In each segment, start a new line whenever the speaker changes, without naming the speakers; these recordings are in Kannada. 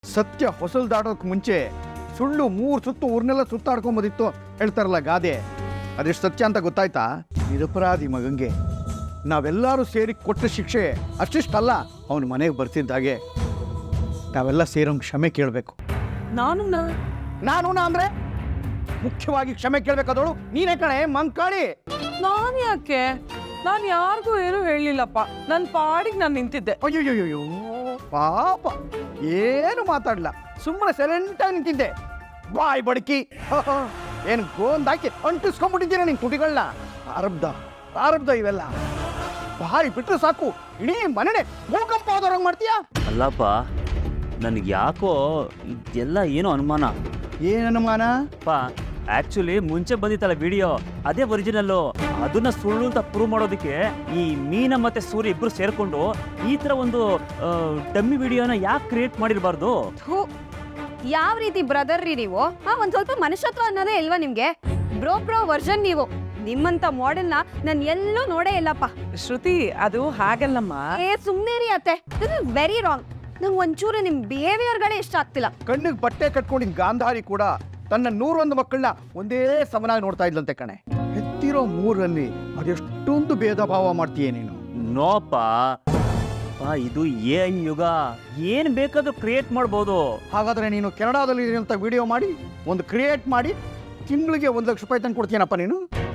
ಸತ್ಯ ಹೊಸಲು ದಾಟೋಕೆ ಮುಂಚೆ ಸುಳ್ಳು 3 ಸುತ್ತು ಊರ್ನೆಲ್ಲ ಸುತ್ತಾಡ್ಕೊಂಬೋದಿತ್ತು ಹೇಳ್ತಾರಲ್ಲ ಗಾದೆ. ಅದೆಷ್ಟು ಸತ್ಯ ಅಂತ ಗೊತ್ತಾಯ್ತಾ? ನಿರಪರಾಧಿ ಮಗಂಗೆ ನಾವೆಲ್ಲರೂ ಸೇರಿ ಕೊಟ್ಟ ಶಿಕ್ಷೆ ಅಷ್ಟಿಷ್ಟಲ್ಲ, ಅವನ ಮನೆಗೆ ಬರ್ತಿದ್ದಾಗೆ ನಾವೆಲ್ಲ ಸೇರೋಂಗೆ ಕ್ಷಮೆ ಕೇಳಬೇಕು. ನಾನು ಅಂದರೆ ಮುಖ್ಯವಾಗಿ ಕ್ಷಮೆ ಕೇಳಬೇಕಾದವಳು ನೀನೇ ಕಣೆ ಮಂಕಾಳಿ.
ನಾನು ಯಾಕೆ? ನಾನು ಯಾರಿಗೂ ಏನು ಹೇಳಲಿಲ್ಲಪ್ಪ, ನನ್ನ ಪಾಡಿಗೆ ನಾನು ನಿಂತಿದ್ದೆ.
ಅಯ್ಯೋಯ್ಯೋಯ್ಯೋ ಪಾಪ, ಏನು ಮಾತಾಡಲ್ಲ, ಸುಮ್ಮನೆ ಸೈಲೆಂಟಾಗಿ ನಿಂತಿದ್ದೆ. ಬಾಯ್ ಬಡಕಿ, ಏನು ಗೋಂದಾಕಿ ಅಂಟಿಸ್ಕೊಂಡ್ಬಿಟ್ಟಿದ್ದೀರ ನಿನ್ ತುಟಿಗಳನ್ನ. ಪ್ರಾರಬ್ಧ ಇವೆಲ್ಲ. ಬಾಯಿ ಬಿಟ್ಟರೆ ಸಾಕು ಇಡೀ ಮನೆನೇ ಭೂಕಂಪ ಆದವ್ರಂಗೆ ಮಾಡ್ತೀಯಾ?
ಅಲ್ಲಪ್ಪ, ನನಗೆ ಯಾಕೋ ಇದೆಲ್ಲ ಏನೋ ಅನುಮಾನ.
ಏನು ಅನುಮಾನ?
ಆಕ್ಚುಲಿ ಮುಂಚೆ ಬಂದಿತ್ತಲ್ಲ ವಿಡಿಯೋ, ಅದೇ ಒರಿಜಿನಲ್ಲು. ಅದನ್ನ ಸುಳ್ಳು ಅಂತ ಪ್ರೂವ್ ಮಾಡೋದಕ್ಕೆ ಈ ಮೀನ ಮತ್ತೆ ಸೂರ್ಯ ಇಬ್ರು ಸೇರ್ಕೊಂಡು ಈ ತರ ಒಂದು ಡಮ್ಮಿ ವಿಡಿಯೋನ ಯಾಕೆ ಕ್ರಿಯೇಟ್ ಮಾಡಿರಬಾರ್ದು?
ಯಾವ ರೀತಿ ಬ್ರದರ್ ರೀ ನೀವು? ಒಂದ್ ಸ್ವಲ್ಪ ಮನುಷ್ಯತ್ವ ಅನ್ನೋದೇ ಇಲ್ವಾ ನಿಮ್ಗೆ? ಬ್ರೋ ವರ್ಷನ್ ನೀವು. ನಿಮ್ಮಂತ ಮಾಡೆಲ್ನ ನಾನು ಎಲ್ಲೂ ನೋಡೇ ಇಲ್ಲಪ್ಪ.
ಶ್ರುತಿ, ಅದು ಹಾಗಲ್ಲಮ್ಮ.
ಸುಮ್ನೆ ರೀ ಅತ್ತೆ, ದಿಸ್ ಇಸ್ ವೆರಿ ರಾಂಗ್. ನಂಗೆ ಒಂಚೂರು ನಿಮ್ ಬಿಹೇವಿಯರ್ಗಳೇ ಇಷ್ಟ ಆಗ್ತಿಲ್ಲ.
ಕಣ್ಣಿಗೆ ಬಟ್ಟೆ ಕಟ್ಕೊಂಡಿದ್ದ ಗಾಂಧಾರಿ ಕೂಡ ತನ್ನ 101 ಮಕ್ಕಳನ್ನ ಒಂದೇ ಸಮನಾಗಿ ನೋಡ್ತಾ ಇದ್ಲಂತೆ ಕಣೆ. ಹೆತ್ತಿರೋ 3ರಲ್ಲಿ ಅದೆಷ್ಟೊಂದು ಭೇದ ಭಾವ ಮಾಡ್ತೀಯ ನೀನು?
ನೋಪ, ಇದು AI ಯುಗ, ಏನ್ ಬೇಕಾದ್ರೂ ಕ್ರಿಯೇಟ್ ಮಾಡ್ಬೋದು.
ಹಾಗಾದ್ರೆ ನೀನು ಕೆನಡಾದಲ್ಲಿ ಇರುವಂತ ವಿಡಿಯೋ ಮಾಡಿ ಒಂದು ಕ್ರಿಯೇಟ್ ಮಾಡಿ ತಿಂಗಳಿಗೆ 1 ಲಕ್ಷ ರೂಪಾಯಿ ತಂದು ಕೊಡ್ತೀನಪ್ಪ ನೀನು?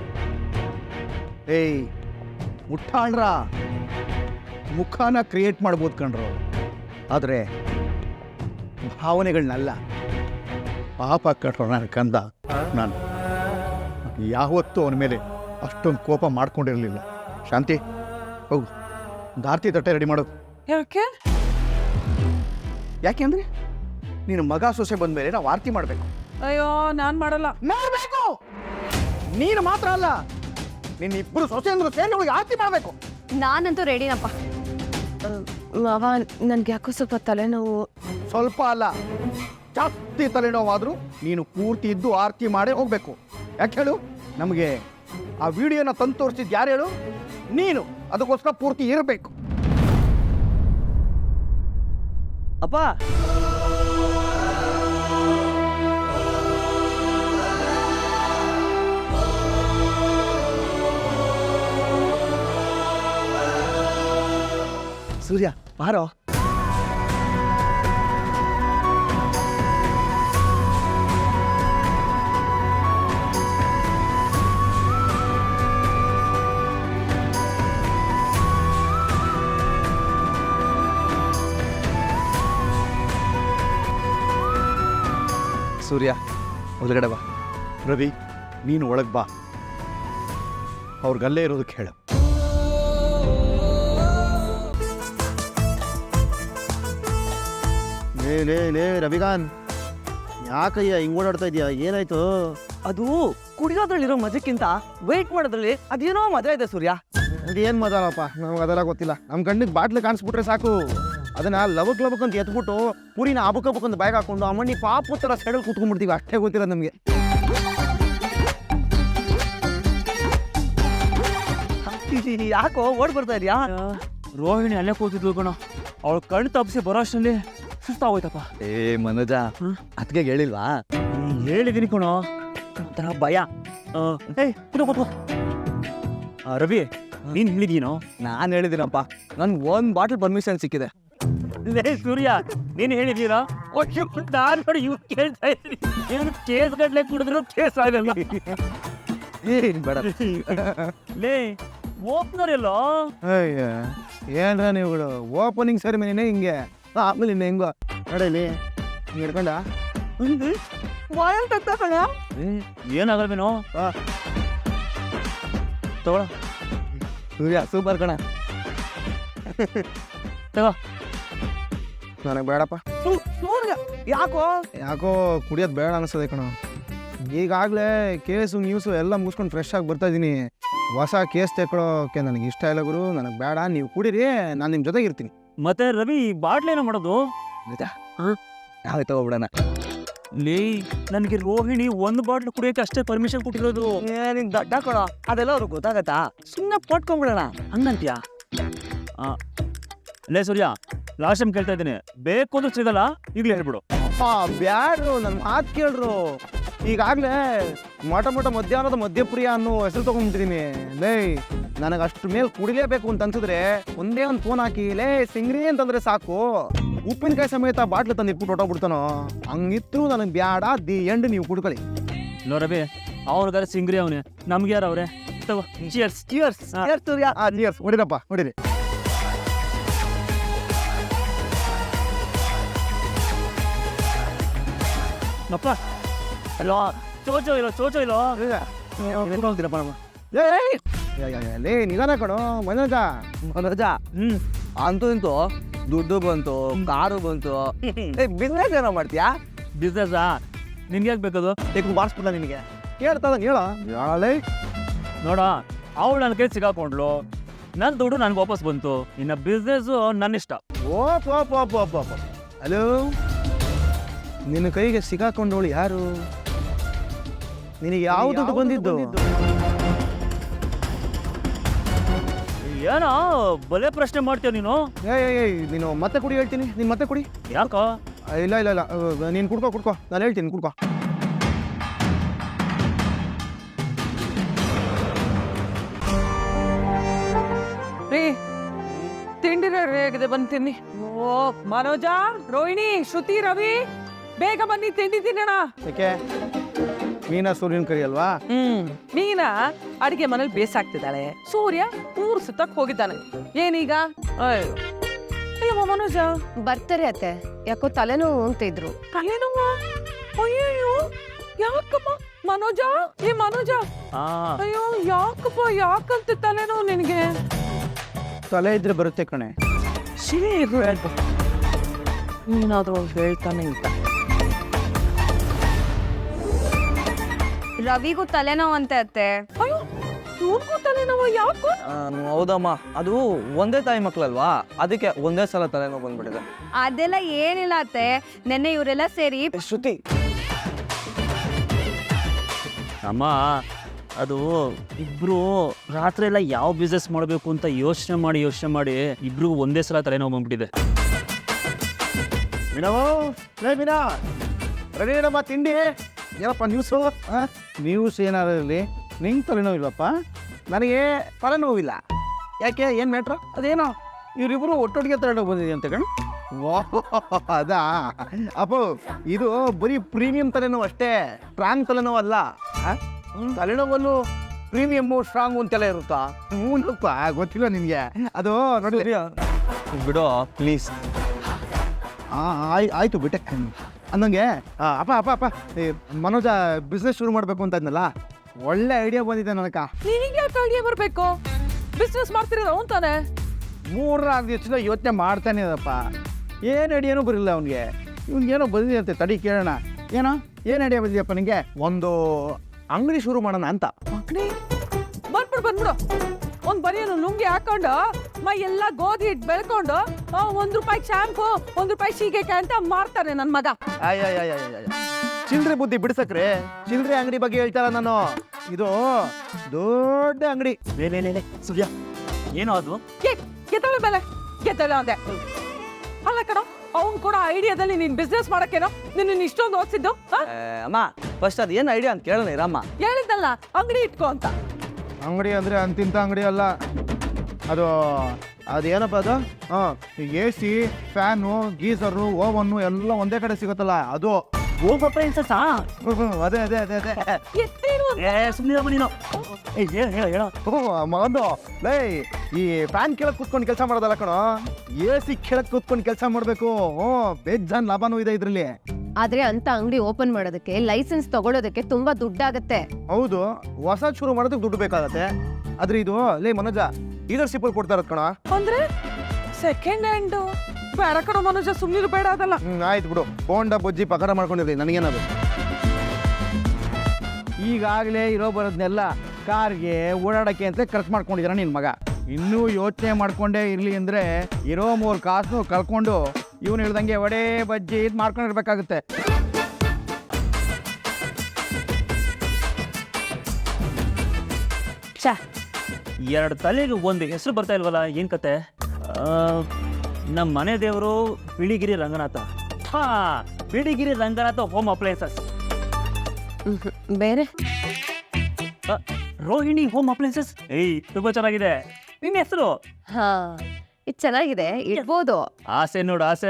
ಏಯ್ ಮುಟ್ಟಾಳ್ರ, ಮುಖಾನ ಕ್ರಿಯೇಟ್ ಮಾಡ್ಬೋದು ಕಣ್ರು, ಆದರೆ ಭಾವನೆಗಳನ್ನಲ್ಲ. ಪಾಪ ಕಟ್ರೋ ನನ್ನ ಕಂದ. ನಾನು ಯಾವತ್ತೂ ಅವನ ಮೇಲೆ ಅಷ್ಟೊಂದು ಕೋಪ ಮಾಡ್ಕೊಂಡಿರಲಿಲ್ಲ. ಶಾಂತಿ, ಹೋಗು ದಾರ್ತಿ ತಟ್ಟೆ ರೆಡಿ ಮಾಡೋದು. ಯಾಕೆಂದ್ರೆ ನೀನು ಮಗ ಸೊಸೆ ಬಂದ ಮೇಲೆ ನಾವು ಆರತಿ ಮಾಡಬೇಕು.
ಅಯ್ಯೋ, ನಾನು ಮಾಡಲ್ಲ.
ಮಾಡಬೇಕು. ನೀನು ಮಾತ್ರ ಅಲ್ಲ, ನಿನ್ನ ಇಬ್ಬರು ಸೊಸೆ ಅಂದ್ರೆ ಸೇರಿ ಅವಳಿಗೆ ಆರತಿ ಮಾಡಬೇಕು.
ನಾನಂತೂ ರೆಡಿನಪ್ಪ.
ಮಾವ, ನನ್ಗೆ ಯಾಕೋ ಸ್ವಲ್ಪ ತಲೆನೋವು.
ಸ್ವಲ್ಪ ಅಲ್ಲ, ಜಾಸ್ತಿ ತಲೆನೋವಾದರೂ ನೀನು ಪೂರ್ತಿ ಇದ್ದು ಆರತಿ ಮಾಡೇ ಹೋಗ್ಬೇಕು. ಯಾಕೆ ಹೇಳು? ನಮಗೆ ಆ ವಿಡಿಯೋನ ತಂದು ತೋರಿಸಿದ್ದು ಯಾರು ಹೇಳು? ನೀನು. ಅದಕ್ಕೋಸ್ಕರ ಪೂರ್ತಿ ಇರಬೇಕು.
ಅಪ್ಪ,
ಸೂರ್ಯ ಬಾರೋ. ಸೂರ್ಯ ಒಳಗಡೆ ಬಾ. ರವಿ, ನೀನು ಒಳಗೆ ಬಾ. ಅವ್ರಿಗಲ್ಲೇ ಇರೋದಕ್ಕೆ ಹೇಳು.
ಲೇ ರವಿಕಾಂತ್, ಯಾಕಯ್ಯ ಹಿಂಗ್ ಓಡಾಡ್ತಾ ಇದೀಯಾ? ಏನಾಯ್ತು?
ಅದು ಕುಡಿಯೋದ್ರಲ್ಲಿರೋ ಮಜಕ್ಕಿಂತ ವೇಟ್ ಮಾಡೋದ್ರಲ್ಲಿ ಅದೇನೋ ಮಜಾ ಇದೆ ಸೂರ್ಯ.
ಅದೇನ್ ಮಜಾನಪ್ಪ, ನಮ್ಗೆ ಅದೆಲ್ಲ ಗೊತ್ತಿಲ್ಲ. ನಮ್ಮ ಕಣ್ಣಿಗೆ ಬಾಟ್ಲಿ ಕಾಣಿಸ್ಬಿಟ್ರೆ ಸಾಕು, ಅದನ್ನ ಲವಕ್ ಅಂತ ಎತ್ಬಿಟ್ಟು ಪುರಿನ ಅಬುಕಬುಕ್ಕಂತ ಬ್ಯಾಗ್ ಹಾಕೊಂಡು ಅಮ್ಮಣ್ಣಿ ಪಾಪು ಥರ ಸೈಡಲ್ಲಿ ಕೂತ್ಕೊಂಡ್ಬಿಡ್ತೀವಿ. ಅಷ್ಟೇ ಗೊತ್ತಿಲ್ಲ ನಮಗೆ.
ಯಾಕೋ ಓಡ್ ಬರ್ತಾ ಇದೆಯಾ?
ರೋಹಿಣಿ ಅಲ್ಲೇ ಕೂತಿದ್ಲು ಕಣ. ಅವಳು ಕಣ್ಣು ತಪ್ಪಿಸಿ ಬರೋ ಅಷ್ಟರಲ್ಲಿ ಸುಸ್ತಾಗೋಯ್ತಪ್ಪ.
ಮನೋಜ, ಅದಕ್ಕೆ ಹೇಳಿಲ್ವಾ?
ಹೇಳಿದೀನಿ ಕಣೋ, ಒಂಥರ ಭಯ. ಕೂತ್ಕೋ. ರವಿ, ನೀನ್ ಹೇಳಿದೀನೋ?
ನಾನು ಹೇಳಿದ್ದೀನಪ್ಪ, ನನ್ಗೆ 1 ಬಾಟಲ್ ಪರ್ಮಿಷನ್ ಸಿಕ್ಕಿದೆ.
ಸೂರ್ಯ, ನೀನು ಹೇಳಿದೀರಾ? ನಾನು ನೋಡಿ ಇವ್ ಕೇಳ್ತಾ ಇದ್ದೀನಿ. ಏನು ಕೇಸ್ ಗಡ್ಲೆ ಕುಡಿದ್ರು ಕೇಸ್ ಆಗಲ್ಲ.
ಬೇಡ
ಲೇ, ಓಪನರ್ ಎಲ್ಲೋ?
ಅಯ್ಯ, ಏನ್ರ ನೀವುಗಳು ಓಪನಿಂಗ್ ಸೆರೆಮನಿನೇ ಹಿಂಗೆ. ಆಮೇಲೆ ಇನ್ನು ಹೆಂಗೋ ನಡೀಲಿ ಹಿಂಗೆ ಹಿಡ್ಕೊಂಡ
ಏನಾಗಲ್ವೇನೋ? ತಗೊಳ.
ಸೂರ್ಯ ಸೂಪರ್ ಕಣ.
ತಗೋ.
ನನಗೆ ಬೇಡಪ್ಪ.
ಸೂರ್ಯ,
ಯಾಕೋ ಕುಡಿಯೋದು ಬೇಡ ಅನಿಸ್ತದೆ ಕಣ. ಈಗಾಗಲೇ ಕೇಸು ನ್ಯೂಸು ಎಲ್ಲ ಮುಗಿಸ್ಕೊಂಡು ಫ್ರೆಶ್ ಆಗಿ ಬರ್ತಾ ಇದ್ದೀನಿ. ಹೊಸ ಕೇಸ್ ತೆಕ್ಕೊಳ್ಳೋಕೆ ನನಗೆ ಇಷ್ಟ ಇಲ್ಲ ಗುರು. ನನಗೆ ಬೇಡ, ನೀವು ಕುಡೀರಿ, ನಾನು ನಿಮ್ಮ ಜೊತೆಗೆ ಇರ್ತೀನಿ.
ಮತ್ತೆ ರವಿ, ಬಾಟ್ಲಿ ಏನೋ ಮಾಡೋದು?
ನಾವೇ ತಗೋಬಿಡೋಣ.
ಲೇ, ನನಗೆ ರೋಹಿಣಿ 1 ಬಾಟ್ಲು ಕುಡಿಯೋಕೆ ಅಷ್ಟೇ ಪರ್ಮಿಷನ್ ಕೊಟ್ಟಿರೋದು.
ನಿನ್ ದಡ್ಡ ಕೊಡ, ಅದೆಲ್ಲ ಅವ್ರಿಗೆ ಗೊತ್ತಾಗತ್ತಾ? ಸುಮ್ಮನೆ ಪಟ್ಕೊಂಡ್ಬಿಡೋಣ.
ಹಂಗಂತ್ಯಾ? ಲೇ ಸೂರ್ಯ, ಲಾಸ್ಟ್ ಟೈಮ್ ಕೇಳ್ತಾ ಇದ್ದೀನಿ, ಬೇಕು ಅಂದ್ರೆ ಸಿಗಲ್ಲ, ಈಗಲೇ ಹೇಳ್ಬಿಡು.
ಬ್ಯಾಡ್ರು ನನ್ನ ಮಾತು ಕೇಳ್ರು. ಈಗಾಗಲೇ ಮೊಟ ಮಧ್ಯಾಹ್ನದ ಮಧ್ಯಪ್ರಿಯ ಅನ್ನೋ ಹೆಸರು ತೊಗೊಂಡ್ಬಿಟ್ಟಿದ್ದೀನಿ. ಲೇ ನನಗೆ ಅಷ್ಟು ಮೇಲೆ ಕುಡಿಲೇಬೇಕು ಅಂತ ಅನ್ಸಿದ್ರೆ ಒಂದೇ ಒಂದು ಫೋನ್ ಹಾಕಿ ಲೇ ಸಿಂಗ್ರಿ ಅಂತಂದ್ರೆ ಸಾಕು, ಉಪ್ಪಿನಕಾಯಿ ಸಮೇತ ಬಾಟ್ಲು ತಂದು ಇಟ್ಬಿಟ್ಟು ಹೊಟ್ಟೋಗ್ಬಿಡ್ತಾನೋ. ಹಂಗಿತ್ತು ನನಗೆ ಬ್ಯಾಡ, ದಿ ಎಂಡ್ ನೀವು ಕುಡ್ಕೊಳ್ಳಿ.
ನೋ ರವಿ, ಅವ್ರಿಗಾರೆ ಸಿಂಗ್ರಿ ಅವನೇ, ನಮ್ಗೆ ಯಾರು ಅವ್ರೆ? ಚಿಯರ್ಸ್.
ಚಿಯರ್ಸ್ ಚಿಯರ್ಸ್ ಹೊಡಿರಪ್ಪ ಹೊಡಿರಿ.
ನಪ್ಪ ಅಲ್ಲೋ, ಚೋಚೋ ಇಲ್ಲೋ
ಲೇ ನಿಧಾನ ಕಣೋ ಮನೋಜ.
ಅಂತೂ ಇಂತೂ ದುಡ್ಡು ಬಂತು, ಕಾರು ಬಂತು. ಬಿಸ್ನೆಸ್ ಏನೋ ಮಾಡ್ತೀಯಾ?
ಬಿಸ್ನೆಸ್ಸಾ? ನಿನ್ಗೆ ಯಾಕೆ ಬೇಕದು?
ಬಾರಿಸ್ಬಿಟ್ಟ ನಿನಗೆ ಕೇಳ್ತದ ಹೇಳ ಹೇಳಲೇ.
ನೋಡ, ಅವಳು ನನ್ನ ಕೈ ಸಿಗಾಕೊಂಡ್ಲು, ನನ್ನ ದುಡ್ಡು ನನಗೆ ವಾಪಸ್ ಬಂತು. ಇನ್ನು ಬಿಸ್ನೆಸ್ಸು ನನ್ನ ಇಷ್ಟ.
ಹಲೋ, ನಿನ್ನ ಕೈಗೆ ಸಿಗಾಕೊಂಡವಳು ಯಾರು? ನಿನಗೆ ಯಾವ ದುಡ್ಡು ಬಂದಿದ್ದು?
ಏನೋ ಬಲೆ ಪ್ರಶ್ನೆ ಮಾಡ್ತೀಯ ನೀನು.
ನೀನು ಮತ್ತೆ ಕುಡಿ ಹೇಳ್ತೀನಿ. ನೀನು ಮತ್ತೆ ಕುಡಿ.
ಯಾಕೋ?
ಇಲ್ಲ ನೀನು ಕುಡ್ಕೋ ನಾನು ಹೇಳ್ತೀನಿ ಕುಡ್ಕೋ.
ರೀ ತಿಂಡಿ ರೆಡಿ ಆಗಿದೆ, ಬಂದು ತಿನ್ನಿ. ಓ ಮನೋಜ, ರೋಹಿಣಿ, ಶ್ರುತಿ, ರವಿ, ಬೇಗ ಬನ್ನಿ ತಿಂಡಿ ತಿನ್ನೋಣ.
ಯಾಕೆ ಮೀನಾ ಸೂರ್ಯನ ಕರಿ ಅಲ್ವಾ?
ಮೀನಾ ಅಡಿಗೆ ಮನೇಲಿ ಬೇಸಾಗ್ತಿದ್ದಾಳೆ, ಸೂರ್ಯ ಊರು ಸುತ್ತಕ್ ಹೋಗಿದ್ದಾನೆ. ಏನೀಗ? ಅಯ್ಯೋ ಮನೋಜ,
ಬರ್ತಾರೆ ಅತ್ತೆ, ಯಾಕೋ ತಲೆನೋವು ಅಂತ ಇದ್ರು.
ತಲೆನೋವ? ಅಯ್ಯೋ ಯಾಕಪ್ಪ ಮನೋಜ? ಮನೋಜ, ಅಯ್ಯೋ ಯಾಕಪ್ಪ, ಯಾಕಂತ ತಲೆನೋವು ನಿನಗೆ?
ತಲೆ ಇದ್ರೆ ಬರುತ್ತೆ ಕಣೆ.
ನೀನಾದ್ರೂ ಹೇಳ್ತಾನೆ ಅಂತ.
ರವಿಗೂ ತಲೆನೋವು ಅಂತೆ ಅತ್ತೆ.
ಅಯ್ಯೋ ಇವ್ರಿಗೂ ತಲೆನೋವು? ಯಾಕೋ?
ಹೌದಮ್ಮ, ಅದು ಒಂದೇ ತಾಯಿ ಮಕ್ಳಲ್ವಾ, ಅದಕ್ಕೆ ಒಂದೇ ಸಲ ತಲೆನೋವು ಬಂದ್ಬಿಟ್ಟಿದೆ.
ಅದೆಲ್ಲ ಏನಿಲ್ಲ ಅತ್ತೆ, ನೆನ್ನೆ ಇವರೆಲ್ಲ ಸೇರಿ
ಶ್ರುತಿ,
ಅಮ್ಮ, ಅದು ಇಬ್ರು ರಾತ್ರಿ ಎಲ್ಲ ಯಾವ ಬಿಸ್ನೆಸ್ ಮಾಡಬೇಕು ಅಂತ ಯೋಚನೆ ಮಾಡಿ ಇಬ್ರಿಗೂ ಒಂದೇ ಸಲ ತಲೆನೋವು ಬಂದ್ಬಿಟ್ಟಿದೆ.
ಮೀನಾ ರೆಡಿ ಇಡಮ್ಮ ತಿಂಡಿ. ಏನಪ್ಪ ನ್ಯೂಸು?
ನ್ಯೂಸ್ ಏನಾದ್ರು ಇರಲಿ, ನಿಂಗೆ ತಲೆನೋವು ಇಲ್ವಪ್ಪ?
ನನಗೆ ತಲೆನೋವಿಲ್ಲ. ಯಾಕೆ, ಏನು ಮ್ಯಾಟ್ರು?
ಅದೇನೋ ಇವರಿಬ್ಬರು ಒಟ್ಟೊಟ್ಟಿಗೆ ತಲೆನೋವು ಬಂದಿದೆ ಅಂತ ಕಣ್.
ಅದಾ ಅಪ್ಪು, ಇದು ಬರೀ ಪ್ರೀಮಿಯಂ ತಲೆನೋವು ಅಷ್ಟೇ, ಸ್ಟ್ರಾಂಗ್ ತಲೆನೋವು ಅಲ್ಲ.
ತಲೆನೋವಲ್ಲೂ ಪ್ರೀಮಿಯಮ್ಮು ಸ್ಟ್ರಾಂಗು ಅಂತೆಲ್ಲ ಇರುತ್ತಾ?
ಹ್ಞೂನಪ್ಪ, ಗೊತ್ತಿಲ್ಲ ನಿನಗೆ ಅದು. ನೋಡಿ
ಬಿಡೋ ಪ್ಲೀಸ್.
ಆಯ್ತು ಬಿಟ್ಟೆ ಅನ್ನಂಗೆ. ಅಪ್ಪ ಈ ಮನೋಜ ಬಿಸ್ನೆಸ್ ಶುರು ಮಾಡಬೇಕು ಅಂತ ಇದ್ನಲ್ಲ, ಒಳ್ಳೆ ಐಡಿಯಾ ಬಂದಿದೆ ನನಕ.
ನಿನಗೆ ಯಾಕೆ ಐಡಿಯಾ ಬರಬೇಕು? ಬಿಸ್ನೆಸ್ ಮಾಡ್ತಿರೋದು ಅವನ್ ತಾನೆ.
3-4 ದಿವಸದಿಂದ ಯೋಚನೆ ಮಾಡ್ತಾನೆ ಅದಪ್ಪ, ಏನು ಐಡಿಯಾನೂ ಬರಲಿಲ್ಲ ಅವನಿಗೆ. ಇವ್ನಿಗೇನೋ ಬಂದಿದೆ ಅಂತೆ, ತಡಿ ಕೇಳೋಣ. ಏನು ಐಡಿಯಾ ಬಂದಿದೆಯಪ್ಪ ನಿನಗೆ?
ಒಂದು ಅಂಗಡಿ ಶುರು ಮಾಡೋಣ ಅಂತ.
ಬಂದ್ಬಿಡು ಒಂದ್ ಬರಿಯನ್ನು ಲುಂಗಿ ಹಾಕೊಂಡು ಮೈ ಎಲ್ಲ ಗೋಧಿ ಹಿಟ್ಟು ಬೆಳ್ಕೊಂಡು ₹1 ಶಾಂಪು, ₹1 ಸೀಗೆಕಾಯಿ ಅಂತ ಮಾರ್ತಾನೆ ನನ್ ಮಗ.
ಚಿಲ್ಲರೆ ಬುದ್ಧಿ ಬಿಡ್ಸಕ್ರೆ, ಚಿಲ್ಲರೆ ಅಂಗಡಿ ಬಗ್ಗೆ ಹೇಳ್ತಾರ ನಾನು. ಇದು ದೊಡ್ಡ ಅಂಗಡಿ.
ಸೂರ್ಯ, ಏನೋ ಅದು?
ಗೆದ್ದಳೆ ಬೆಲೆ ಗೆದ್ದಳೆ ಅಂದೆ. ಅಲ್ಲ ಕಣ, ಅವ್ನು ಕೂಡ ಐಡಿಯಾದಲ್ಲಿ ನೀನ್ ಬಿಸ್ನೆಸ್ ಮಾಡಕ್ಕೇನೋ ನಿನ್ನ ಇಷ್ಟೊಂದು ಓದಿಸಿದ್ದು.
ಅಮ್ಮ, ಫಸ್ಟ್ ಅದು ಏನು ಐಡಿಯಾ ಅಂತ ಕೇಳೋಣ ಇರಮ್ಮ.
ಹೇಳಿದ್ದಲ್ಲ ಅಂಗಡಿ ಇಟ್ಕೋ ಅಂತ.
ಅಂಗಡಿ ಅಂದರೆ ಅಂತಿಂತ ಅಂಗಡಿ ಅಲ್ಲ ಅದೇನಪ್ಪ ಅದು? AC, ಫ್ಯಾನು, ಗೀಸರು, ಓವನ್ನು ಎಲ್ಲ ಒಂದೇ ಕಡೆ ಸಿಗುತ್ತಲ್ಲ ಅದು. ಅದೇ ಮಗಂದು. ಲೇ, ಈ ಫ್ಯಾನ್ ಕೆಳಗೆ ಕೂತ್ಕೊಂಡು ಕೆಲಸ ಮಾಡೋದಲ್ಲ ಕಣೋ, AC ಕೆಳಗೆ ಕೂತ್ಕೊಂಡು ಕೆಲಸ ಮಾಡಬೇಕು. ಬೇಜಾನ್ ಲಾಭನೂ ಇದೆ ಇದರಲ್ಲಿ.
ಆದ್ರೆ ಅಂತ ಅಂಗಡಿ ಓಪನ್ ಮಾಡೋದಕ್ಕೆ, ಲೈಸೆನ್ಸ್ ತಗೊಳ್ಳೋದಕ್ಕೆ ತುಂಬಾ ದುಡ್ಡಾಗತ್ತೆ.
ಹೌದು, ಹೊಸ ಶುರು ಮಾಡೋದಕ್ಕೆ ದುಡ್ಡು ಬೇಕಾಗತ್ತೆ. ಆದ್ರೆ ಇದು ಲೇ ಮನೋಜ, ಲೀಡರ್ಶಿಪ್ ಕೊಡ್ತಾ ಇರೋದು ಕಣ.
ಅಂದ್ರೆ ಸೆಕೆಂಡ್ ಹ್ಯಾಂಡ್ ಬೇಡ ಕಣ ಮನೋಜ, ಸುಮ್ಮನೆ ಬೇಡ ಅದಲ್ಲ.
ಆಯ್ತು ಬಿಡು, ಬೋಂಡ ಬೊಜ್ಜಿ ಪಗಾರ ಮಾಡ್ಕೊಂಡಿರ್ಲಿ, ನನಗೇನದು.
ಈಗಾಗಲೇ ಇರೋ ಬರೋದನ್ನೆಲ್ಲ ಕಾರ್ಗೆ ಓಡಾಡಕ್ಕೆ ಅಂತ ಖರ್ಚು ಮಾಡ್ಕೊಂಡಿದ್ದಾನೆ ನಿನ್ನ ಮಗ. ಇನ್ನೂ ಯೋಚನೆ ಮಾಡ್ಕೊಂಡೇ ಇರಲಿ ಅಂದರೆ ಇರೋ 3 ಕಾಸು ಕಳ್ಕೊಂಡು ಇವನು ಹೇಳ್ದಂಗೆ ವಡೆ ಬಜ್ಜಿ ಇದು ಮಾಡ್ಕೊಂಡಿರ್ಬೇಕಾಗುತ್ತೆ.
ಛಾ, 2 ತಲೆಗೆ ಒಂದು ಹೆಸರು ಬರ್ತಾ ಇಲ್ವಲ್ಲ, ಏನು ಕತೆ? ನಮ್ಮ ಮನೆ ದೇವರು ಬಿಳಿಗಿರಿ ರಂಗನಾಥ. ಹಾ, ಬಿಳಿಗಿರಿ ರಂಗನಾಥ ಹೋಮ್ ಅಪ್ಲಯನ್ಸಸ್.
ಬೇರೆ
ರೋಹಿಣಿ ಹೋಮ್ ಅಪ್ಲಯನ್ಸಸ್. ಏಯ್, ತುಂಬಾ ಚೆನ್ನಾಗಿದೆ. ನಿನ್ನ ಹೆಸರು?
ಹಾ, ಇದು ಚೆನ್ನಾಗಿದೆ, ಇಡ್ಬೋದು.
ಆಸೆ ನೋಡು, ಆಸೆ.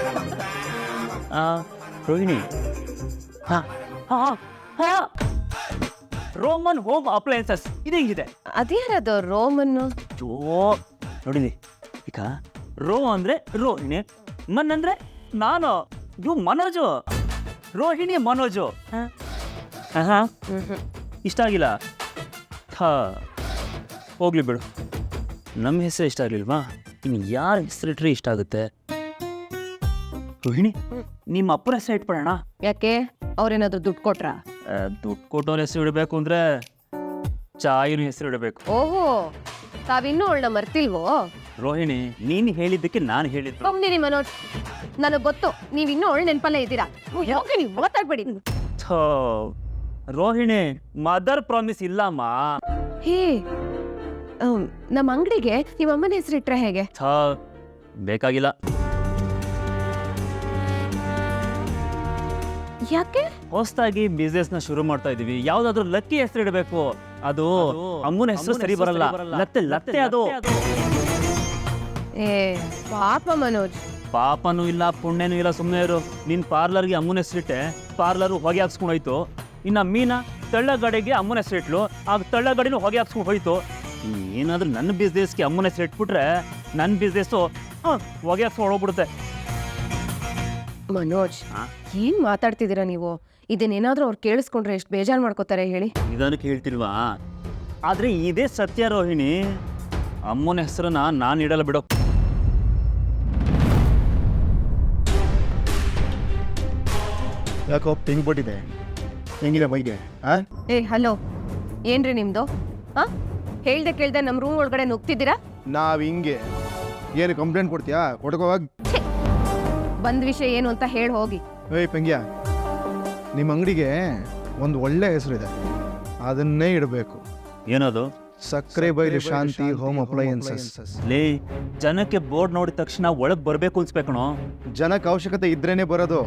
ರೋಹಿಣಿ. ಹಾ ಹಾ ಹಾ, ರೋಮನ್ ಹೋಮ್ ಅಪ್ಲಯನ್ಸಸ್. ಇದು ಹೆಂಗಿದೆ?
ಅದ್ಯಾರದು ರೋಮನ್ನು?
ಜೋ ನೋಡಿಲಿ ಈಗ, ರೋ ಅಂದ್ರೆ ರೋಹಿಣಿ, ಮನ್ ಅಂದ್ರೆ ನಾನು, ಇವು ಮನೋಜು. ರೋಹಿಣಿ ಮನೋಜು. ಹಾ, ಇಷ್ಟ ಆಗಿಲ್ಲ? ಹಾ, ಹೋಗ್ಲಿ ಬಿಡು. ನಮ್ಮ ಹೆಸರು ಇಷ್ಟ ಆಗಲಿಲ್ವಾ? ಇನ್ನು ಯಾರ ಹೆಸರಿಟ್ರೆ ಇಷ್ಟ ಆಗುತ್ತೆ? ರೋಹಿಣಿ, ನಿಮ್ಮ ಅಪ್ಪನ ಹೆಸರು ಇಟ್ಬಿಡೋಣ.
ಯಾಕೆ, ಅವ್ರೇನಾದ್ರು ದುಡ್ಡು ಕೊಟ್ರಾ?
ದುಡ್ಡು ಕೊಟ್ಟವ್ರ ಹೆಸರು ಇಡಬೇಕು ಅಂದ್ರೆ ಚಾಯಿನ ಹೆಸರು ಇಡಬೇಕು.
ಓಹೋ, ತಾವಿನ್ನೂ ಅವಳನ್ನ ಮರ್ತಿಲ್ವೋ?
ರೋಹಿಣಿ, ನೀನು ಹೇಳಿದ್ದಕ್ಕೆ ನಾನು ಹೇಳಿದ್ದು.
ಒಮ್ಮೆ ಮನೋಜ್, ನನಗೆ ಗೊತ್ತು ನೀವಿನ್ನೂ ಅವಳ ನೆನಪಲ್ಲೇ ಇದ್ದೀರಾ. ಹೋಗಿ ನೀವು ಮಾತಾಡ್ಬೇಡಿ.
ಥೋ, ರೋಹಿಣಿ, ಮದರ್ ಪ್ರಾಮಿಸ್ ಇಲ್ಲಮ್ಮ.
ಹೇ, ನಮ್ಮ ಅಂಗಡಿಗೆ ನಿಮ್ಮ ಅಮ್ಮನ ಹೆಸರು ಇಟ್ರೆ ಹೇಗೆ?
ಥೋ, ಬೇಕಾಗಿಲ್ಲ.
ಯಾಕೆ?
ಹೊಸದಾಗಿ ಬಿಸ್ನೆಸ್ ನ ಶುರು ಮಾಡ್ತಾ ಇದೀವಿ, ಯಾವ್ದಾದ್ರು ಲಕ್ಕಿ ಹೆಸರು ಇಡಬೇಕು. ಅದು ಅಮ್ಮನ ಹೆಸರು ಸರಿ ಬರಲ್ಲ. ಲತ್ತೆ ಲತ್ತೆ ಅದು.
ಏ ಪಾಪ ಮನೋಜ್.
ಪಾಪನೂ ಇಲ್ಲ, ಪುಣ್ಯನೂ ಇಲ್ಲ, ಸುಮ್ಮನೆ ಇರು. ನಿನ್ ಪಾರ್ಲರ್ಗೆ ಅಮ್ಮನ ಹೆಸರಿಟ್ಟೆ, ಪಾರ್ಲರ್ ಹೊಗೆ ಹಾಕ್ಸ್ಕೊಂಡು ಹೋಯ್ತು. ಇನ್ನ ಮೀನಾ ತಳ್ಳಗಡೆಗೆ ಅಮ್ಮನ ಹೆಸರಿಟ್ಲು, ಆಗ ತಳ್ಳಗಡೆನೂ ಹೊಗೆ ಹಾಕ್ಸ್ಕೊಂಡು ಹೋಯ್ತು. ಏನಾದ್ರೂ ನನ್ನ ಬಿಸ್ನೆಸ್ಗೆ ಅಮ್ಮನ ಹೆಸರು ಇಟ್ಬಿಟ್ರೆ ನನ್ನ ಬಿಸ್ನೆಸ್ಸು ಹೊಗೆ ಹಾಕ್ಸ್ಕೊಂಡು ಹೋಗ್ಬಿಡುತ್ತೆ.
ಮನೋಜ್, ಏನ್ ಮಾತಾಡ್ತಿದ್ದೀರಾ ನೀವು? ಇದನ್ನೇನಾದ್ರೂ ಅವ್ರು ಕೇಳಿಸ್ಕೊಂಡ್ರೆ ಎಷ್ಟು ಬೇಜಾರು ಮಾಡ್ಕೋತಾರೆ ಹೇಳಿ.
ನಿಧಾನಕ್ಕೆ ಹೇಳ್ತಿಲ್ವಾ? ಆದ್ರೆ ಇದೇ ಸತ್ಯ ರೋಹಿಣಿ. ಅಮ್ಮನ ಹೆಸರನ್ನ ನಾನು ಇಡಲ್ಲ ಬಿಡೋ.
ಯಾಕೋ ಪಿಂಗ್ ಬಿಟ್ಟಿದೆ, ಹೆಂಗಿದೆ ಬೈಗೆ?
ಏ ಹಲೋ, ಏನ್ರಿ ನಿಮ್ದು? ಹಾ, ಹೇಳ್ದೆ ಕೇಳ್ದೆ ನಮ್ಮ ರೂಮ್ ಒಳಗಡೆ ನುಗ್ತಿದ್ದೀರಾ?
ನಾವ್ ಹಿಂಗೆ ಏನು ಕಂಪ್ಲೇಂಟ್ ಕೊಡ್ತೀಯಾ? ಕೊಡ್ಕೋವಾಗ
ಬಂದ್ ವಿಷಯ ಏನು ಅಂತ ಹೇಳಿ ಹೋಗಿ.
ಏಯ್ ಪಂಗ್ಯ, ನಿಮ್ಮ ಅಂಗಡಿಗೆ ಒಂದು ಒಳ್ಳೆ ಹೆಸರಿದೆ, ಅದನ್ನೇ ಇಡಬೇಕು.
ಏನದು?
ಸಕ್ಕರೆ ಬೈಲು ಶಾಂತಿ ಹೋಮ್ ಅಪ್ಲಯನ್ಸಸ್.
ಲೇ, ಜನಕ್ಕೆ ಬೋರ್ಡ್ ನೋಡಿದ ತಕ್ಷಣ ಒಳಗ್ ಬರ್ಬೇಕು ಅನ್ಸ್ಬೇಕಣೋ.
ಜನಕ್ಕೆ ಅವಶ್ಯಕತೆ ಇದ್ರೇನೆ ಬರೋದು.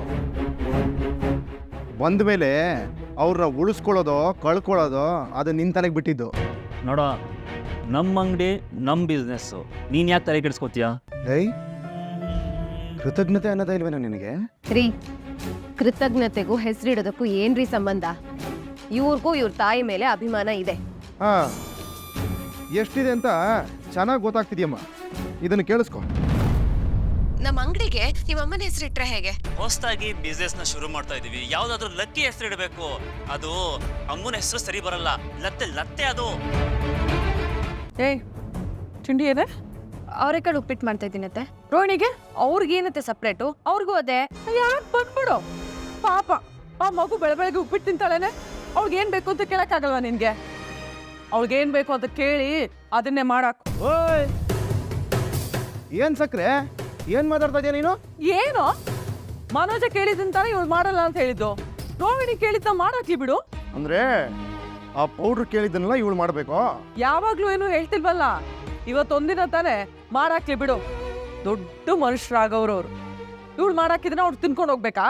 ಬಂದ ಮೇಲೆ ಅವ್ರನ್ನ ಉಳಿಸ್ಕೊಳ್ಳೋದು ಕಳ್ಕೊಳ್ಳೋದು ಅದು ನಿನ್ ತಲೆಗೆ ಬಿಟ್ಟಿದ್ದು.
ನೋಡ, ನಮ್ಮ ಅಂಗಡಿ ನಮ್ಮ ಬಿಸ್ನೆಸ್ಸು, ನೀನ್ ಯಾಕೆ ತಲೆ ಕೆಡಿಸ್ಕೋತೀಯ?
ಏಯ್, ಕೃತಜ್ಞತೆ ಅನ್ನೋದೇ ಇಲ್ವೇನೋ ನಿನಗೆ?
ರೀ, ಕೃತಜ್ಞತೆಗೂ ಹೆಸರಿಡೋದಕ್ಕೂ ಏನ್ರಿ ಸಂಬಂಧ? ಇವ್ರಿಗೂ ಇವ್ರ ತಾಯಿ ಮೇಲೆ ಅಭಿಮಾನ ಇದೆ.
ಹಾ, ಎಷ್ಟಿದೆ ಅಂತ ಚೆನ್ನಾಗಿ ಗೊತ್ತಾಗ್ತಿದ್ಯಮ್ಮ. ಇದನ್ನು ಕೇಳಿಸ್ಕೊ.
ನಮ್ಮ ಅಂಗಡಿಗೆ ನಿಮ್ಮ ಅಮ್ಮನ ಹೆಸರಿಟ್ರೆ ಹೇಗೆ?
ಹೊಸದಾಗಿ ಬಿಸ್ನೆಸ್ ನ ಶುರು ಮಾಡ್ತಾ ಇದೀವಿ, ಯಾವ್ದಾದ್ರು ಲಕ್ಕಿ ಹೆಸರು ಇಡಬೇಕು. ಅದು ಅಮ್ಮನ ಹೆಸರು ಸರಿ ಬರಲ್ಲ. ಲತ್ತೆ ಲತ್ತೆ ಅದು.
ಏಯ್, ತಿಂಡಿ ಏನೇ?
ಅವರೆಕಾಳು ಉಪ್ಪಿಟ್ಟು ಮಾಡ್ತಾ ಇದ್ದೀನತ್ತೆ.
ರೋಹಿಣಿಗೆ
ಅವ್ರಿಗೇನತ್ತೆ ಸಪ್ರೇಟು? ಅವ್ರಿಗೂ ಅದೇ.
ಯಾಕೆ ಬಂದ್ಬಿಡು? ಪಾಪ, ಆ ಮಗು ಬೆಳಗ್ಗೆ ಉಪ್ಪಿಟ್ಟು ತಿಂತಾಳೇನೆ. ಅವ್ಳಿಗೇನ್ ಬೇಕು ಅಂತ ಕೇಳಕ್ಕಾಗಲ್ವಾ ನಿನ್ಗೆ? ಅವ್ಳಿಗೇನ್ ಬೇಕು ಅಂತ ಕೇಳಿ ಅದನ್ನೇ ಮಾಡಾಕು.
ಓಯ್, ಏನ್ ಸಕ್ರೆ, ಏನ್ ಮಾತಾಡ್ತಾ ಇದೀಯ ನೀನು?
ಏನು? ಮನೋಜ ಕೇಳಿದಂತಾನೆ ಇವಳು ಮಾಡಲ್ಲ ಅಂತ ಹೇಳಿದ್ದು. ರೋಹಿಣಿ ಕೇಳಿದ್ದ ಮಾಡಾಕ್ಲಿ ಬಿಡು.
ಅಂದ್ರೆ ಆ ಪೌಡ್ರ್ ಕೇಳಿದ್ದನ್ನೆಲ್ಲ ಇವಳು ಮಾಡ್ಬೇಕು?
ಯಾವಾಗ್ಲೂ ಏನು ಹೇಳ್ತಿಲ್ವಲ್ಲ, ಇವತ್ತೊಂದಿನ ತಾನೆ ಮಾಡಾಕ್ಲಿ ಬಿಡು. ದೊಡ್ಡ ಮನುಷ್ಯರಾಗವ್ರವ್ರು. ಇವಳು ಮಾಡಾಕಿದ್ರೆ ಅವ್ರು ತಿನ್ಕೊಂಡು ಹೋಗ್ಬೇಕಾ?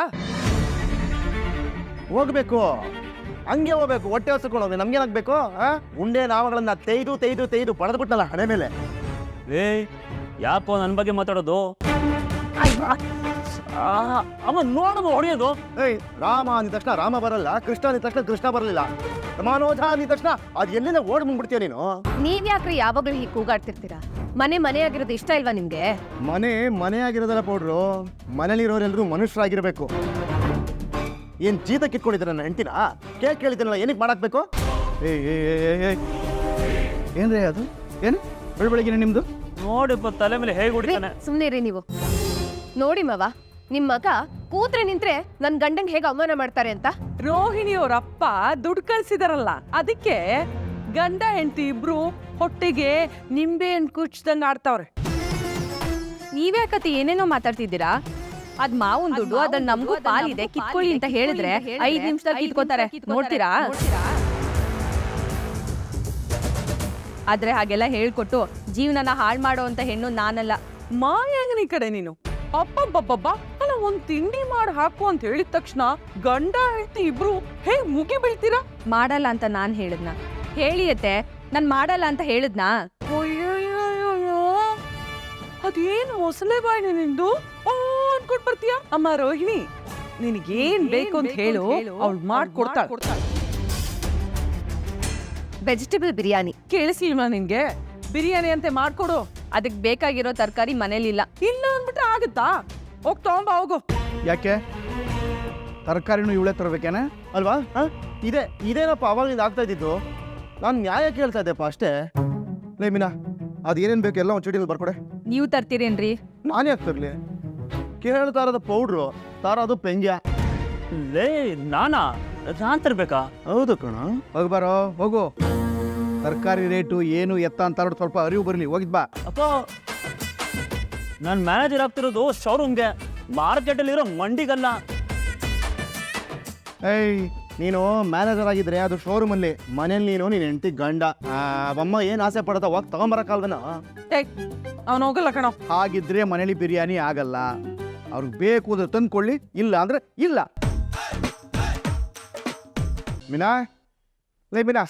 ಹೋಗ್ಬೇಕು, ಹಂಗೆ ಹೋಗ್ಬೇಕು. ಹೊಟ್ಟೆ ಹೊಸ್ಕೊಳ್ಳೋದು ನಮ್ಗೇನಾಗ್ಬೇಕು? ಉಂಡೆ ನಾವಗಳನ್ನ ತೆಯ್ದು ತೆಯ್ದು ತೆಯ್ದು ಪಡೆದ್ಬಿಟ್ನಲ್ಲ ಹಣೆ ಮೇಲೆ.
ಏ, ಯಾಕೋ ನನ್ನ ಬಗ್ಗೆ ಮಾತಾಡೋದು? ಅಮ್ಮ ನೋಡಮ್ಮ ಹೊಡೆಯೋದು.
ಏಯ್, ರಾಮ ಅಂದ ತಕ್ಷಣ ರಾಮ ಬರಲ್ಲ, ಕೃಷ್ಣ ಅಂದ ತಕ್ಷಣ ಕೃಷ್ಣ ಬರಲಿಲ್ಲ, ಮನೋಜ ಅಂದ ತಕ್ಷಣ ಅದು ಎಲ್ಲಿಂದ ಓಡ್ ಬಂದ್ಬಿಡ್ತೀಯ ನೀನು?
ನೀವ್ ಯಾಕ್ರಿ ಯಾವಾಗ್ಲೂ ಹೀಗೆ ಕೂಗಾಡ್ತಿರ್ತೀರಾ? ಮನೆ ಆಗಿರೋದು ಇಷ್ಟ ಇಲ್ವಾ ನಿಮ್ಗೆ?
ಮನೆ ಆಗಿರೋದಲ್ಲ ಪೌಡ್ರು, ಮನೇಲಿರೋರೆಲ್ಲರೂ ಮನುಷ್ಯರಾಗಿರ್ಬೇಕು. ಏನ್ ಜೀತ ಕಿತ್ಕೊಂಡಿದ್ದೀರ ನನ್ನ ಹೆಂಡತಿನ? ಕೇಕ್ ಕೇಳಿದ್ದೀನಲ್ಲ, ಏನಕ್ಕೆ ಮಾಡಾಕ್ಬೇಕು?
ಏನ್ರಿ ಅದು? ಏನು ಬೆಳಬೆಳಗಿನ ನಿಮ್ದು?
ನೋಡಿಪ್ಪ, ತಲೆ ಮೇಲೆ ಹೇಗೆ ಹೊಡಿತಾನೆ.
ಸುಮ್ನೆ ರೀ ನೀವು. ನೋಡಿ ಮವ, ನಿಮ್ ಮಗ ಕೂತ್ರೆ ನಿಂತ್ರೆ ನನ್ ಗಂಡಂಗ್ ಹೇಗೆ ಅವಮಾನ ಮಾಡ್ತಾರೆ ಅಂತ.
ರೋಹಿಣಿಯವ್ರಪ್ಪ ದುಡ್ಡು ಕಳ್ಸಿದಾರಲ್ಲ, ಅದಕ್ಕೆ ಗಂಡ ಹೆಂಡತಿ ಇಬ್ರು ಹೊಟ್ಟೆಗೆ ನಿಂಬೆ ಹಣ್ಣು ಕುಚ್ದಂಗ ಆಡ್ತಾವ್ರೆ.
ನೀವ್ಯಾಕತಿ ಏನೇನೋ ಮಾತಾಡ್ತಿದ್ದೀರಾ? ಅದ್ ಮಾವನ್ ದುಡ್ಡು, ಅದನ್ನ ನಮಗೂ ಪಾಲಿದೆ, ಕಿತ್ಕೊಳ್ಳಿ ಅಂತ ಹೇಳಿದ್ರೆ 5 ನಿಮಿಷದಲ್ಲಿ ಕಿತ್ಕೋತಾರೆ. ನೋಡ್ತೀರಾ? ಆದ್ರೆ ಹಾಗೆಲ್ಲ ಹೇಳ್ಕೊಟ್ಟು ಜೀವನನ ಹಾಳು ಮಾಡೋ ಅಂತ ಹೆಣ್ಣು ನಾನಲ್ಲ.
ಮಾಯಾಂಗನಿ ಕಡೆ ನೀನು ಅಪ್ಪಬ್ಬಬ್ಬಬ್ಬ ಅಲ್ಲ ಒಂದ್ ತಿಂಡಿ ಮಾಡಿ ಹಾಕು ಅಂತ ಹೇಳಿದ ತಕ್ಷಣ ಗಂಡ ಹೆಂಡತಿ ಇಬ್ರು ಹೇಗ್ ಮುಗಿ ಬೀಳ್ತೀರಾ?
ಮಾಡಲ್ಲ ಅಂತ ನಾನ್ ಹೇಳಿದ್ನ ಹೇಳಿಯತ್ತೆ ನಾನ್ ಮಾಡಲ್ಲ ಅಂತ ಹೇಳಿದ್ನಾ?
ಅಯ್ಯಯ್ಯಯ್ಯಯ್ಯೋ, ಅದೇನು ಮೊಸಳೆ ಬಾಯಿನ ನಿಂದು ಅನ್ಕೊಂಡ್ ಬರ್ತೀಯ? ಅಮ್ಮ ರೋಹಿಣಿ, ನಿನಗೇನ್ ಬೇಕು ಅಂತ ಹೇಳು, ಅವ್ಳು ಮಾಡ್ಕೊಡ್ತಾಳೆ.
ವೆಜಿಟೇಬಲ್ ಬಿರಿಯಾನಿ.
ಕೇಳಿಸಿಲ್ವಾ ನಿನ್ಗೆ? ಬಿರಿಯಾನಿ ಅಂತೆ ಮಾಡ್ಕೊಡು.
ಅದಕ್ ಬೇಕಾಗಿರೋ ತರಕಾರಿ ಮನೇಲಿಲ್ಲ.
ಇಲ್ಲ ಅಂದ್ಬಿಟ್ರೆ ಆಗುತ್ತಾ? ಹೋಗ್ ತಗೊಂಬ ಹೋಗು.
ಯಾಕೆ ತರಕಾರಿನೂ ಇವಳೇ ತರಬೇಕೇನೆ?
ಅಲ್ವಾ ಇದೇನಪ್ಪ ಅವಾಗಿಂದ ಆಗ್ತಾ ಇದ್ದಿದ್ದು. ನಾನು ನ್ಯಾಯ ಕೇಳ್ತಾ ಇದ್ದೆಪ್ಪ ಅಷ್ಟೇ. ಲೇ ಮೀನಾ, ಅದೇನೇನು ಬೇಕು ಎಲ್ಲ ಒಂದು ಚೀಟಿಲಿ ಬರ್ಕೊಡೆ.
ನೀವು ತರ್ತೀರೇನ್ರಿ?
ನಾನು ಯಾಕೆ ತರಲಿ? ಕೇಳ್ತಾ ಇರೋದು ಪೌಡ್ರು, ತಾರೋದು ಪೆಂಗ್ಯ.
ಲೇ ನಾನ್ ತರ್ಬೇಕಾ?
ಹೌದು ಕಣ.
ಹೋಗ್ಬಾರೋ ಹೋಗು. ತರಕಾರಿ ರೇಟು ಏನು ಎತ್ತ ಅಂತ ಸ್ವಲ್ಪ ಅರಿವು ಬರಲಿ. ಹೋಗಿದ್ ಬಾ.
ಅಪ್ಪ, ನಾನು ಮ್ಯಾನೇಜರ್ ಆಗ್ತಿರೋದು ಶೋರೂಮ್ಗೆ, ಮಾರ್ಕೆಟಲ್ಲಿರೋ ಮಂಡಿಗಲ್ಲ.
ಏಯ್, ನೀನು ಮ್ಯಾನೇಜರ್ ಆಗಿದ್ರೆ ಅದು ಶೋರೂಮಲ್ಲಿ, ಮನೇಲಿ ನೀನು ಹೆಂಡತಿ ಗಂಡ. ಅಮ್ಮ ಏನು ಆಸೆ ಪಡತ್ತ ಹೋಗಿ ತಗೊಂಬರಕ್ಕಲ್ವೇನ?
ಅವನು ಹೋಗಲ್ಲ ಕಣೋ.
ಹಾಗಿದ್ರೆ ಮನೇಲಿ ಬಿರಿಯಾನಿ ಆಗಲ್ಲ. ಅವ್ರಿಗೆ ಬೇಕು ಅಂದ್ರೆ ತಂದ್ಕೊಳ್ಳಿ, ಇಲ್ಲ ಅಂದ್ರೆ ಇಲ್ಲ.
ಮೀನಾ, ಲೇ ಮೀನಾ,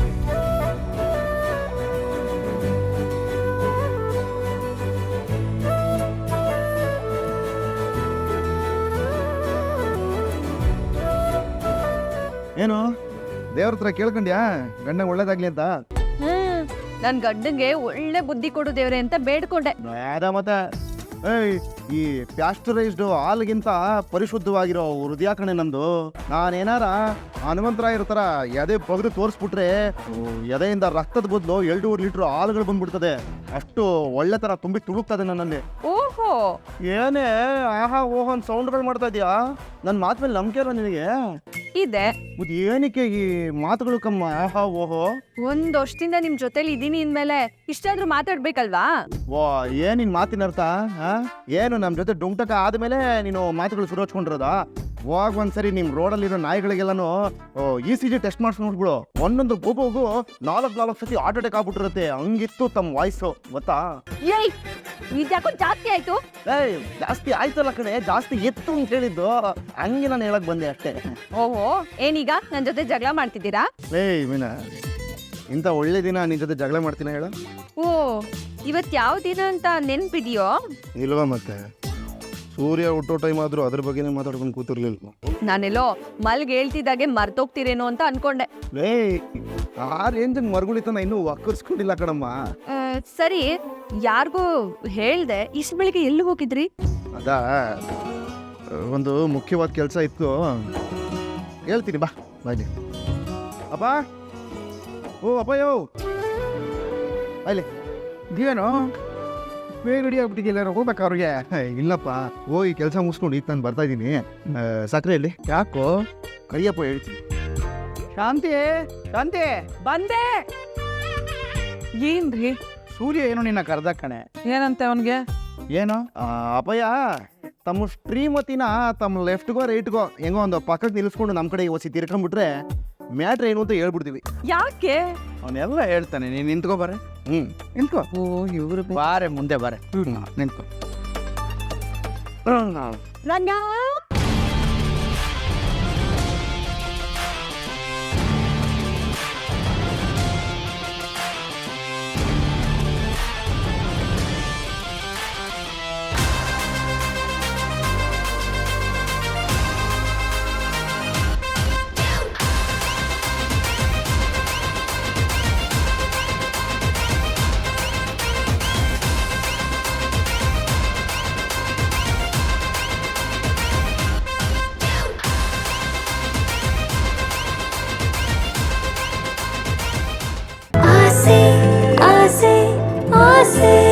ಏನು
ದೇವ್ರ ಹತ್ರ ಕೇಳ್ಕೊಂಡ್ಯಾ ಗಂಡ ಒಳ್ಳೇದಾಗ್ಲಿ ಅಂತ?
ನನ್ ಗಂಡಂಗೆ ಒಳ್ಳೆ ಬುದ್ಧಿ ಕೊಡು ದೇವ್ರೆ ಅಂತ ಬೇಡ್ಕೊಂಡೆ.
ಮತ್ತೆ ಏಯ್, ಈ ಪ್ಯಾಸ್ಟರೈಸ್ಡ್ ಹಾಲ್ಗಿಂತ ಪರಿಶುದ್ಧವಾಗಿರೋ ಹೃದಯ ಕಣೆ ನಂದು. ನಾನೇನಾರ ಹನುಮಂತರಾಯ ಇರ್ತಾರ ಎದೆ ಬಗ್ದು ತೋರಿಸ್ಬಿಟ್ರೆ ಎದೆಯಿಂದ ರಕ್ತದ ಬದಲು 2 ಲೀಟ್ರ್ ಹಾಲುಗಳು ಬಂದ್ಬಿಡ್ತದೆ. ಅಷ್ಟು ಒಳ್ಳೆ ತರ ತುಂಬಿ ತುಳುಕ್ತದೆ ನನ್ನಲ್ಲಿ.
ಓಹೋ,
ಏನೇ ಆಹಾ ಓಹೋ ಅಂತ ಸೌಂಡ್ಗಳು ಮಾಡ್ತಾ ಇದೀಯಾ? ನನ್ನ ಮಾತು ಮೇಲೆ ನಂಬಿಕೆ ಇರೋ ನಿನಗೆ?
ಇದೆ.
ಮತ್ತೆ ಏನಕ್ಕೆ ಈ ಮಾತುಗಳು ಕಮ್ಮ ಆಹಾ ಓಹೋ?
ಒಂದ್ ವರ್ಷದಿಂದ ನಿಮ್ ಜೊತೆಲಿ ಇದೀನಿ ಅಂದ್ಮೇಲೆ ಇಷ್ಟಾದ್ರೂ ಮಾತಾಡ್ಬೇಕಲ್ವಾ?
ವಾ, ಏನ್ ನಿನ್ ಮಾತಿನ ಅರ್ಥ? ಏನು ನಮ್ಮ ಜೊತೆ ಡುಂಟಕ ಆದ್ಮೇಲೆ ನೀನು ಮಾತುಗಳು ಶುರು ಹಚ್ಕೊಂಡಿರೋದಾ? ಹೋಗ್ ಒಂದ್ಸರಿ ನಿಮ್ ರೋಡಲ್ಲಿರೋ ನಾಯಿಗಳಿಗೆಲ್ಲಾನು ECG ಟೆಸ್ಟ್ ಮಾಡಿಸ್ ನೋಡ್ಬಿಡು. ಒಂದೊಂದು ಗೋಗೋಗು 4 ಸತಿ ಹಾರ್ಟ್ ಅಟ್ಯಾಕ್ ಆಗ್ಬಿಟ್ಟಿರುತ್ತೆ. ಹಂಗಿತ್ತು ತಮ್ಮ ವಾಯ್ಸು, ಗೊತ್ತಾ?
ಏಯ್, ಇದ್ಯಾಕೋ ಜಾಸ್ತಿ ಆಯ್ತು.
ಏಯ್, ಜಾಸ್ತಿ ಆಯ್ತಲ್ಲ ಕಣೆ, ಜಾಸ್ತಿ ಎತ್ತು ಅಂತ ಹೇಳಿದ್ದು. ಹಂಗೆ ನಾನು ಹೇಳಕ್ ಬಂದೆ ಅಷ್ಟೇ.
ಓಹೋ, ಏನೀಗ ನನ್ ಜೊತೆ ಜಗಳ ಮಾಡ್ತಿದ್ದೀರಾ?
ಏಯ್ ಮೀನಾ, ಇಂಥ ಒಳ್ಳೆ ದಿನ ನಿನ್ ಜೊತೆ ಜಗಳ ಮಾಡ್ತೀನಿ ಹೇಳ?
ಓ, ಇವತ್ ಯಾವ ದಿನ ಅಂತ ನೆನ್ಪಿದ್ಯೋ?
ಇಲ್ವಾ ಮತ್ತೆ? ಸೂರ್ಯ ಹುಟ್ಟೋ ಟೈಮ್ ಆದ್ರೂ ಅದ್ರ ಬಗ್ಗೆನೇ ಮಾತಾಡ್ಕೊಂಡು ಕೂತಿರ್ಲಿಲ್ಲ.
ನಾನೆಲ್ಲೋ ಮಲ್ಗೆ ಹೇಳ್ತಿದ್ದಾಗೆ ಮರ್ತೋಗ್ತಿರೇನೋ ಅಂತ ಅನ್ಕೊಂಡೆ.
ಏಯ್, ಆ ರೇಂಜ್ ಮರ್ಗುಳಿತನ ಇನ್ನೂ ಒಕ್ಕರ್ಸ್ಕೊಂಡಿಲ್ಲ ಕಣಮ್ಮ.
ಸರಿ, ಯಾರಿಗೂ ಹೇಳ್ದೆ ಇಷ್ಟು ಬೆಳಿಗ್ಗೆ ಎಲ್ಲಿ ಹೋಗಿದ್ರಿ?
ಅದಾ, ಒಂದು ಮುಖ್ಯವಾದ ಕೆಲಸ ಇತ್ತು, ಹೇಳ್ತೀನಿ ಬಾ. ಬಾಯ್ಲಿ ಅಪ್ಪ. ಓ ಅಪ್ಪಯ್ಯೋ, ಬಾಯ್ಲಿ.
ಇದೇನು ಬೇಗ ರೆಡಿ ಆಗ್ಬಿಟ್ಟಿದ್ದಿಲ್ಲ, ಹೋಗ್ಬೇಕು ಅವ್ರಿಗೆ?
ಇಲ್ಲಪ್ಪ, ಹೋಗಿ ಕೆಲಸ ಮುಗಿಸ್ಕೊಂಡು ಈಗ ನಾನು ಬರ್ತಾ ಇದ್ದೀನಿ. ಸಕ್ಕರೆಯಲ್ಲಿ
ಯಾಕೋ?
ಕರಿಯಪ್ಪ ಹೇಳ್ತೀನಿ.
ಶಾಂತಿ, ಶಾಂತಿ,
ಬಂದೆ. ಏನ್ರಿ?
ಸೂರ್ಯ ಏನೋ ನಿನ್ನ ಕರ್ದ ಕಣೆ.
ಏನಂತೆ ಅವನ್ಗೆ?
ಏನೋ
ಅಪ್ಪಯ್ಯ, ತಮ್ಮ ಶ್ರೀಮತಿನ ತಮ್ಮ ಲೆಫ್ಟ್ಗೋ ರೈಟ್ಗೋ ಹೆಂಗೋ ಒಂದು ಪಕ್ಕಕ್ಕೆ ನಿಲ್ಲಿಸ್ಕೊಂಡು ನಮ್ಮ ಕಡೆ ಒಸಿ ತಿರ್ಕೊಂಡ್ಬಿಟ್ರೆ ಮ್ಯಾಟ್ರ್ ಏನು ಅಂತ ಹೇಳ್ಬಿಡ್ತೀವಿ.
ಯಾಕೆ?
ಅವನೆಲ್ಲ ಹೇಳ್ತಾನೆ. ನೀನು ನಿಂತ್ಕೋ ಬಾರೆ. ನಿಂತ್ಕೋ.
ಓ, ಇವ್ರು
ಬಾರೆ, ಮುಂದೆ ಬಾರೆ. ನಿಂತ್ಕೋ.
आसे आसे आसे